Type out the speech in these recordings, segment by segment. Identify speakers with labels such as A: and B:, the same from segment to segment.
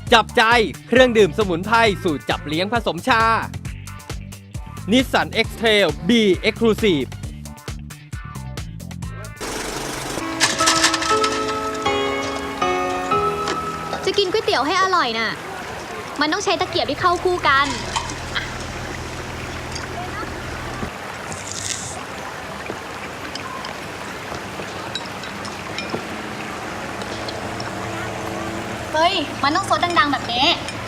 A: จับใจเครื่องดื่มสมุนไพรสูตรจับเลี้ยงผสมชา Nissan X-Trail B Exclusive
B: จะกินก๋วยเตี๋ยวให้อร่อยน่ะ มันต้องใช้ตะเกียบที่เข้าคู่กัน เฮ้ย มันต้องซดดังๆแบบนี้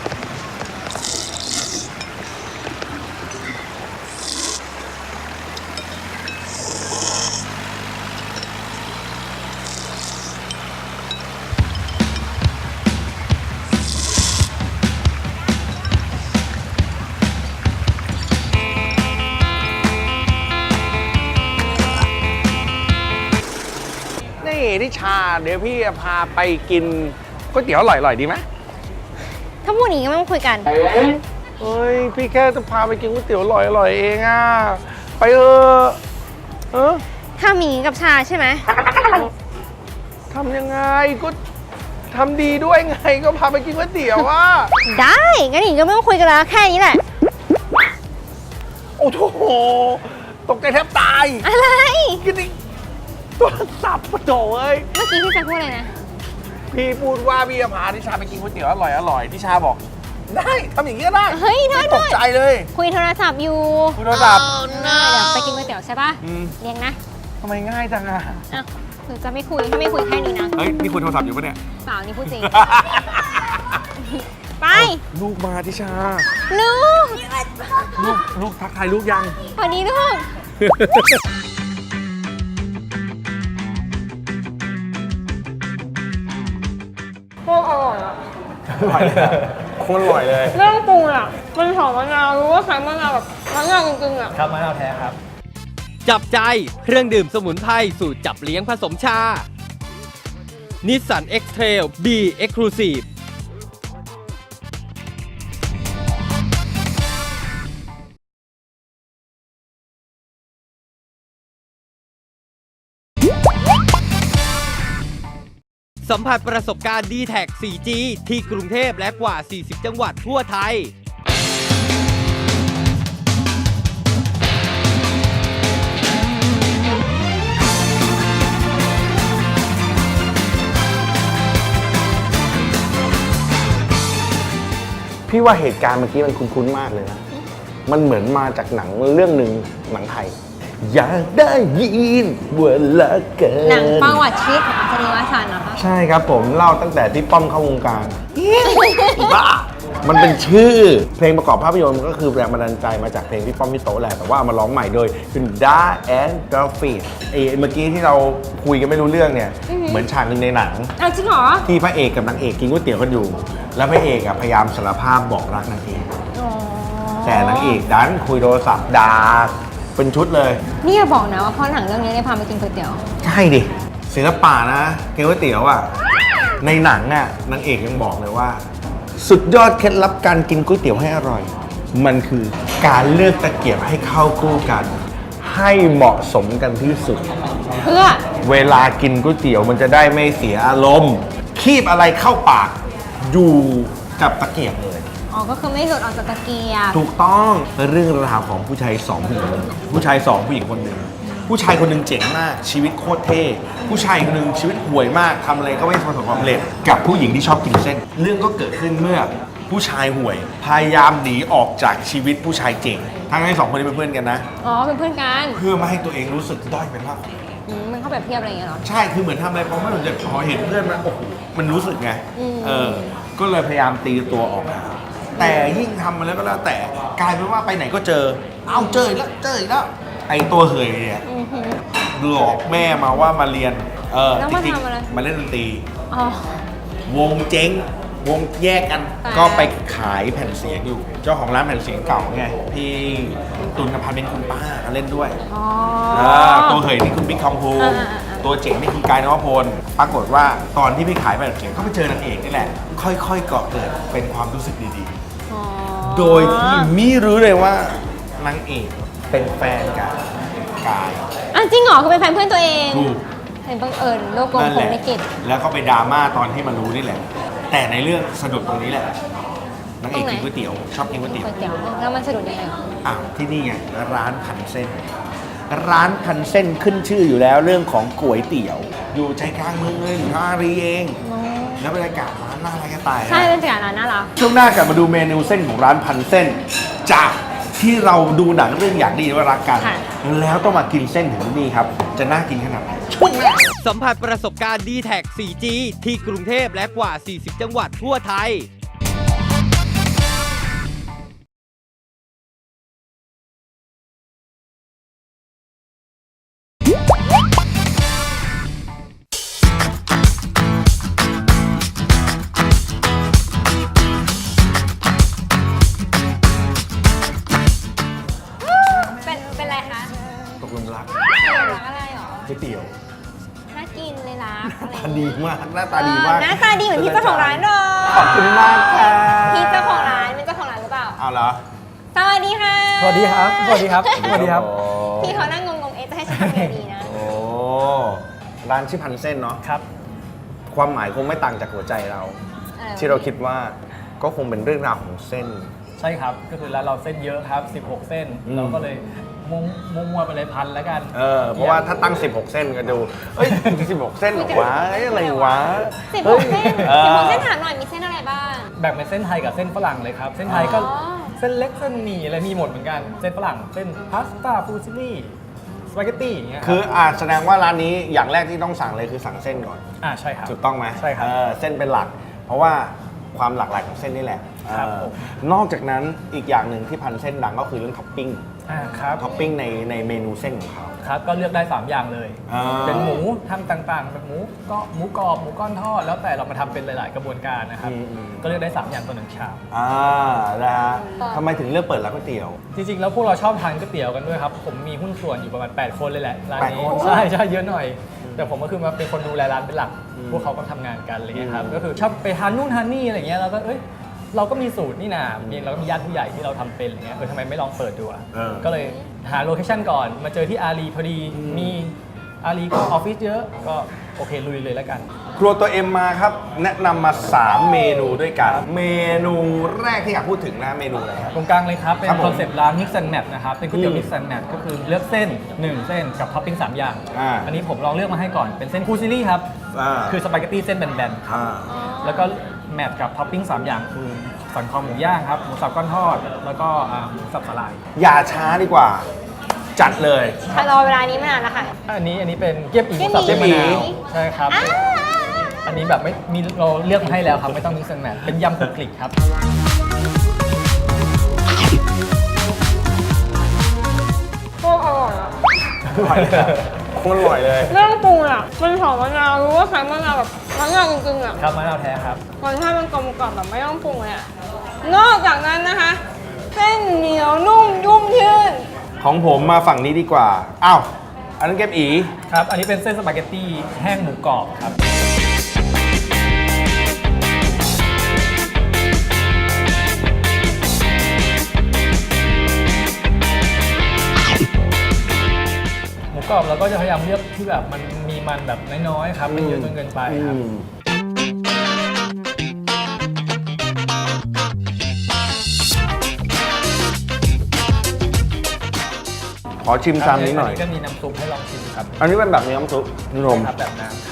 C: นี่ทิชาเดี๋ยวพี่จะพาไปกินก๋วยเตี๋ยวอร่อยๆดีไหม
D: ถ้าพูดอย่างนี้ก็ไม่ต้องคุยกัน
C: เฮ้ยพี่แค่จะพาไปกินก๋วยเตี๋ยวอร่อยๆเองอ่ะไปเออ
D: ถ้ามีกับชาใช่ไหม
C: ทำยังไงก็ทำดีด้วยไงก็พาไปกินก๋วยเตี๋ยวอ่ะ
D: ได้งั้นอย่างนี้ก็ไม่ต้องคุยกันแล้วแค่นี้แหละ
C: โอ้โหตกใจแทบตาย
D: อะไร
C: กินอีกตัวสับปะโถเอ้ย
D: เมื่อกี้พี่จะพูดอะไรนะ
C: พี่พูดว่าพี่จะพาทิชาไปกินก๋วยเตี๋ยวอร่อยๆทิชาบอกได้ทำอย่างนี้ก็ได้
D: เฮ้ยโทษ
C: ตกใจเลย
D: คุยโทรศัพท์อยู่
C: คุยโทรศัพท์
D: เดี๋ยวไปกินก๋วยเตี๋ยวใช่ป่ะ เรียงนะ
C: ทำไมง่ายจังอ่ะ
D: อ่ะหรือจะไม่คุยถ้าไม่คุยแค่นี้นะ
C: เฮ้ยนี่คุยโทรศัพท์อยู่ปะเนี่ย
D: เปล่านี่พูดจริง ไป
C: ลูกมาทิชา
D: ลูก
C: ลูกทักทายลูกยัง
D: สวัสดีลูก โคตรอร่อยอ่ะ
C: อร่อยเลยโคตรอร่อยเลย
D: เรื่องปรุงอ่ะ มันหอมมะนาวรู้ว่าใช้มะนาวแบบมะนาวจริงๆอ่ะ
C: ครับมะนาวแท้ครับ
A: จับใจเครื่องดื่มสมุนไพรสูตรจับเลี้ยงผสมชา Nissan X-Trail B Exclusive สัมผัสประสบการณ์ D-Tag 4G ที่กรุงเทพและกว่า 40 จังหวัดทั่วไทย
C: พี่ว่าเหตุการณ์เมื่อกี้มันคุ้นๆมากเลยนะ มันเหมือนมาจากหนังเรื่องหนึ่งหนังไทย อยากได้ยินเวลาเกิน
D: หนังประวัติชีวิตของอัศนีวสันต์เหรอคะ
C: ใช่ครับผมเล่าตั้งแต่พี่ป้อมเข้าวงการบ้ามันเป็นชื่อเพลงประกอบภาพยนตร์มันก็คือแรงบันดาลใจมาจากเพลงพี่ป้อมพี่โตแหละแต่ว่าเอามาร้องใหม่โดยคุณด้าแอนด์กราฟิกเมื่อกี้ที่เราคุยกันไม่รู้เรื่องเนี่ยเหมือนฉากหนึ่งในหนัง
D: เอาจริงเหรอ
C: ที่พระเอกกับนางเอกกินก๋วยเตี๋ยวกันอยู่ แล้วพระเอกอะพยายามสารภาพบอกรักนางเอก
D: อ๋อ
C: แต่นางเอกดันคุยโทรศัพท์ด่าเป็นชุดเลย
D: นี่อย่าบอกนะว่าเพราะหนังเรื่องนี้ได้พาไปกินก๋วยเตี๋ยว
C: ใช่ดิศิลปะนะกินก๋วยเตี๋ยวอะในหนังอะนางเอกยังบอกเลยว่า สุดยอดเคล็ดลับการกินก๋วยเตี๋ยวให้อร่อย มันคือการเลือกตะเกียบให้เข้าคู่กัน ให้เหมาะสมกันที่สุด
D: เพื่อ
C: เวลากินก๋วยเตี๋ยวมันจะได้ไม่เสียอารมณ์ คีบอะไรเข้าปากอยู่กับตะเกียบเลย
D: อ๋อ ก็คือไม่หลุดออกจากตะเกียบ
C: ถูกต้องเรื่องราวของผู้ชายสองผู้หญิงคนหนึ่งผู้ชายสองผู้หญิงคนหนึ่งผู้ชายคนหนึ่งเจ๋งมากชีวิตโคตรเท่ผู้ชายคนหนึ่งชีวิตห่วยมากทำอะไรก็ไม่ประสบความสำเร็จกับผู้หญิงที่ชอบกินเส้น เรื่องก็เกิดขึ้นเมื่อผู้ชายห่วย พยายามหนีออกจากชีวิตผู้ชายเจ๋งทั้งที่สองคนนี้เป็นเพื่อนกันนะ
D: อ๋อ เป็นเพื่อนกัน
C: เพื่อไม่ให้ตัวเองรู้สึกด้อยเป็นมากกว่า
D: มันเข้าแบบเทียบอะไรอย่างเงี้ยเหรอ
C: ใช่ คือเหมือนทำอะไรพอไม่สนใจพอเห็นเพื่อนมันโอ้โห มันรู้สึกไง ก็เลยพยายามตีตัวออกห่างแต่ยิ่งทำมาแล้วก็แล้วแต่กลายเป็นว่าไปไหนก็เจอ เอ้าเจออีกแล้ว เจออีกแล้ว ไอ้ตัวเหยเนี่ยหลอกแม่มาว่ามาเรียน
D: แล้ว
C: จ
D: มา
C: ริง
D: ทำอะไร
C: ๆมาเล่นดนตรี
D: อ๋อ
C: วงเจ๊ง วงแยกกัน
D: แต่
C: ก็ไปขายแผ่นเสียงอยู่ เจ้าของร้านแผ่นเสียงเก่าไง พี่ตุลกับพันเป็นคุณป้าเล่นด้วย
D: อ๋อ
C: ตัวเหยนี่คือบิ๊กคอมพู
D: อ่า
C: ตัวเจ๋งนี่คือกายนวพล ปรากฏว่าตอนที่พี่ขายแผ่นเสียงก็ไปเจอนางเอกนี่แหละ ค่อยๆก่อเกิดเป็นความรู้สึกดี
D: อ๋อ
C: ๆ โดยที่มิรู้เลยว่านางเอกเป็นแฟนกับกาย
D: อ่ะจริงเหรอคือเป็นแฟนเพื่อนตัวเอง
C: ถูก
D: เห็นบังเอิญโลกกลม
C: นั่น
D: พ
C: แห
D: รห
C: ละ
D: มลิขิต
C: แล้วก็ไปดราม่าตอนที่มารู้นี่แหละแต่ในเรื่องสะดุดตรงนี้แหละนางเอกกินก๋วยเตี๋ยวชอบกินก๋วยเตี๋ยว
D: ก๋วยเตี๋ยวแล้วมันสะดุดยังไง
C: อ้าวที่นี่ไงร้านพันเส้น ร้านพันเส้นขึ้นชื่ออยู่แล้วเรื่องของก๋วยเตี๋ยว อยู่ใจกลางเมืองเลยอยู่ท่าอารีเอง แล้วบรรยากาศร้านน่ารักจะตายนะ
D: ใช่เป็นจากร้านน่ารัก
C: ช่วงหน้ากลับมาดูเมนูเส้นของร้านพันเส้น จากที่เราดูหนังเรื่องอยากดีว่ารักกัน
D: ค่ะ
C: แล้วต้องมากินเส้นถึงที่นี่ครับ จะน่ากินขนาดไหนช่วงหน้า
A: สัมผัสประสบการณ์ d t แท 4G ที่กรุงเทพและกว่า 40 จังหวัดทั่วไทย
D: เป็นไรคะ
C: ตกลงรัก
D: รักอะไรหรอ
C: ก๋วยเตี๋ยว
D: น่ากินเลยรัก
C: หน้าตาดีมากหน้าตาดีมาก
D: หน้าตาดีเหมือนพี่เจ้าของร้านเลย
C: ขอบคุณมากค่ะ
D: พี่เจ้าของร้านเป็นเจ้าของร้านหรือเปล่า
C: เอาเหรอ
D: สวัสดีค่ะ
E: สวัสดีครับ สวัสดีครับ สวัสดีครับ
D: พี่เขานั่งงงๆเอ๊ะจะให้ฉันทำยังไงดีนะ
C: โอ้ร้านชื่อพันเส้นเนาะ
E: ครับ
C: ความหมายคงไม่ต่างจากหัวใจเรา ที่เราคิดว่าก็คงเป็นเรื่องราวของเส้น
E: ใช่ครับ ก็คือร้านเราเส้นเยอะครับ 16 เส้น
C: อืม
E: เราก็เลยมั่วๆไปเลยพันแล้วกัน
C: เพราะว่าถ้าตั้ง 16 เส้นก็ดู เอ้ย 16 เส้นเหรอวะเอ้ยอะไรวะ
D: 16 เส้น
C: เออ
D: 16 เส้นถามหน่อยมีเส้นอะไรบ้าง
E: แบ่งเป็นเส้นไทยกับเส้นฝรั่งเลยครับ เส้นไทยก็
D: อ๋อ
E: เส้นเล็กเส้นหมี่อะไรมีหมดเหมือนกัน เส้นฝรั่ง เส้นพาสต้าฟูซิลี่สปาเกตตี้อย่างเงี้ย
C: คือแสดงว่าร้านนี้อย่างแรกที่ต้องสั่งเลยคือสั่งเส้นก่อน
E: ใช่ครับ
C: ถูกต้องไหม
E: ใช่ครับ
C: เส้นเป็นหลัก เพราะว่าความหลากหลายของเส้นนี่แหละ
E: ครับ
C: นอกจากนั้นอีกอย่างหนึ่งที่พันเส้นดังก็คือเรื่องท็อปปิ้ง
E: ครับ
C: ท็อปปิ้งในเมนูเส้นของเขา
E: ครับก็เลือกได้ 3 อย่างเลย
C: อ่า
E: เป็นหมูทำต่างๆแบบหมูก็หมูกรอบหมูก้อนทอด แล้วแต่เรามาทำเป็นหลายๆ กระบวนการนะครับ ก็เลือกได้ 3 อย่างต่อ1ชาม
C: นะฮะทำไมถึงเลือกเปิดร้านก๋วยเตี๋ยว
E: จริงๆ แล้วพวกเราชอบทานก๋วยเตี๋ยวกันด้วยครับ ผมมีหุ้นส่วนอยู่ประมาณ 8 คนเลยแหละร้านนี้
C: 8 คน
E: ใช่ใช่เยอะหน่อย แต่ผมก็คือมาเป็นคนดูแลร้านเป็นหลัก พวกเขาก็ทำงานกันอะไรเงี้ยครับ ก็คือชอบไปทานนู่นทานนี่อะไรเงี้ยเราก็เราก็มีสูตรนี่นะเราก็มีญาติผู้ใหญ่ที่เราทำเป็นอะไรเงี้ยทำไมไม่ลองเปิดดูอ่ะ ก็เลยหาโลเคชั่นก่อน มาเจอที่อารีพอดี มีอารีก็ออฟฟิศเยอะ ก็โอเคลุยเลยแล้วกัน
C: ครัวตัวเอ็มมาครับ แนะนำมา 3 เมนูด้วยกัน เมนูแรกที่อยากพูดถึงนะเมนูอะไรครับ
E: ตรงกลางเลยครับ เป็
C: ครั
E: น
C: บผม
E: คอนเซปต์ร้าน Mix and Match นะครับ เป็นก๋วยเตี๋ยว Mix and Match ก็คือเลือกเส้น 1 เส้นกับท็อปปิ้ง3 อย่าง อันนี้ผมลองเลือกมาให้ก่อน เป็นเส้นคูซิลี่ครับ คือสปาเกตตี้เส้นแบนๆ แล้วก็แมทกับท็อปปิ้ง3 อย่างคือสันคอหมูย่างครับ หมูสับก้อนทอด แล้วก็หมูสับสลาย
C: อย่าช้าดีกว่า จัดเลย
D: รอเวลานี้มานานแล้วค่ะ
E: อันนี้เป็นเกี๊ยบอีหมูสับ
C: เกี๊
E: เส้
C: ย
E: น
C: บอี
E: มะนาวใช่ครับ อันนี้แบบไม่มีเราเลือกมาให้แล้วครับ ไม่ต้องมิกซ์แอนด์แมทเป็นยำคลุกคลิกครับ
D: โคตรอร่อยอะ
C: อร่อยเลยอะโคตรอร่อยเลย
D: เรื่องปรุงอ่ะมันหอมมะนาวรู้ว่าใช้มะนาวแบบมะนาวจริงๆอ่ะ
E: ครับมะนาวแท้ครับ
D: รสชาติมันกลมกล่อมแบบไม่ต้องปรุงเลยอ่ะนอกจากนั้นนะคะ เส้นเหนียวนุ่มยุ่มยืด
C: ของผมมาฝั่งนี้ดีกว่า อ้าว อันนั้นเก็บอี
E: ครับ อันนี้เป็นเส้นสปาเกตตี้แห้งหมูกรอบครับ หมูกรอบเราก็จะพยายามเลือกที่แบบมันมีมันแบบน้อยๆครับไม่เยอะจนเกินไปครับ
C: ขอชิมชามนี้หน่อย
E: ก็มีน้ำซุปให้ลองชิมครับ
C: อันนี้เป็นแบบน้ำซุปนม
E: ครับแบบน้ำครับ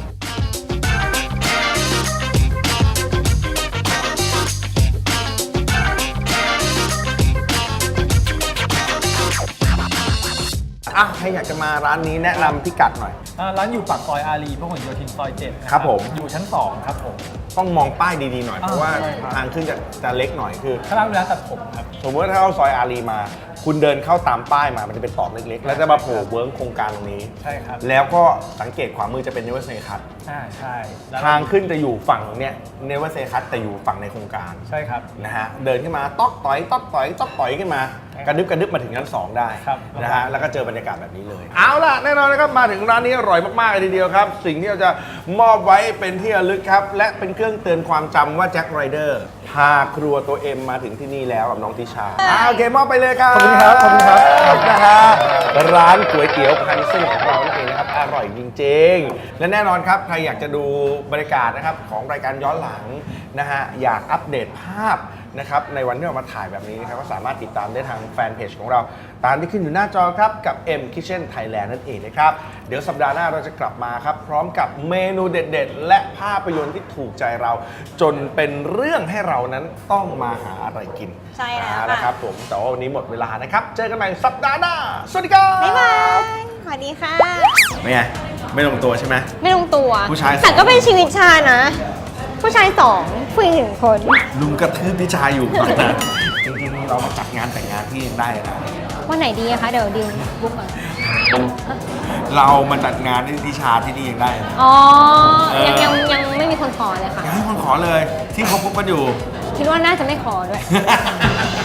C: อ่ะใครอยากจะมาร้านนี้แนะนำพิกัดหน่อย
E: ร้านอยู่ปากซอยอารีพหลโยธินซอย7นะครับ
C: ผม
E: อยู่ชั้น 2 ครับผม
C: ต้องมองป้ายดีๆหน่อย เพราะว่า
E: ใช่ครับ
C: ทางขึ้นจะเล็กหน่อยคือ
E: ข้างล่างเป็นร้านตัดผมครับ
C: สมมติว่าถ้าเข้าซอยอารีมา คุณเดินเข้าตามป้ายมามันจะเป็นตอกเล็กๆ แล้วจะมาโผล่เวิร์กโครงการตรงนี้
E: ใช่ครับ
C: แล้วก็สังเกตขวามือจะเป็นเนเวอร์เซคัท
E: ใช่แล้ว
C: ทางขึ้นจะอยู่ฝั่งเนี่ยเนเวอร์เซคัทแต่อยู่ฝั่งในโครงการ
E: ใช่ครับ
C: นะฮะเดินขึ้นมาต๊อกต่อยต๊อกต่อยต๊อกต่อยขึ้นมา กระดึบมาถึงชั้น2ได้
E: ครับ
C: นะฮะแล้วก็เจอบรรยากาศแบบนี้เลย เอาล่ะแน่นอนนะครับมาถึงร้านนี้อร่อยมากๆเลยทีเดียวครับ สิ่งที่เราจะมอบไว้เป็นที่ระลึกครับ และเป็นเครื่องเตือนความจำว่าแจ็คไรเดอร์พาครัวตัวเอ็มมาถึงที่นี่แล้วกับน้องติชาโอเคมอบไปเลยครับ
E: ขอบคุณครับขอบคุณครับ
C: นะฮะร้านก๋วยเตี๋ยวพันเส้นของเรานั่นเองนะครับอร่อยจริงๆและแน่นอนครับใครอยากจะดูบรรยากาศนะครับของรายการย้อนหลังนะฮะอยากอัปเดตภาพนะครับในวันที่เรามาถ่ายแบบนี้นะครับก็สามารถติดตามได้ทางแฟนเพจของเราตามที่ขึ้นอยู่หน้าจอครับกับ M Kitchen Thailand นั่นเองนะครับเดี๋ยวสัปดาห์หน้าเราจะกลับมาครับพร้อมกับเมนูเด็ดๆและภาพยนตร์ที่ถูกใจเราจนเป็นเรื่องให้เรานั้นต้องมาหาอะไรกิน
D: ใช่แล้ว
C: เอาละครับผมแต่ว่าวันนี้หมดเวลานะครับเจอกันใหม่สัปดาห์หน้าสวัสดีครับ
D: บ๊ายบายสวัสดีค่ะ
C: ไม่ไงไม่ลงตัวใช่ไหม
D: ไม่ลงตัว
C: ผู้ชายสอง
D: แต่ก็เป็นชีวิตชานะ ผู้ชายสองผู้หญิง1 คน
C: ลุงกระทืบพี่ชายอยู่ตอนนั้นจริงๆเรามาจัดงานแต่งงานที่ยังได้นะ
B: วันไหนดีอะคะ เดี๋ยวดิวบุ๊กก่อน
C: เรามาจัดงานที่ทิชาที่นี่ยังได้นะ
B: อ๋อ
C: เออ
B: ยังไม่มีคนขอเลยค่ะ
C: อยากให้คนขอเลยที่เขาพบกันอยู่
B: คิดว่าน่าจะไม่ขอด้วย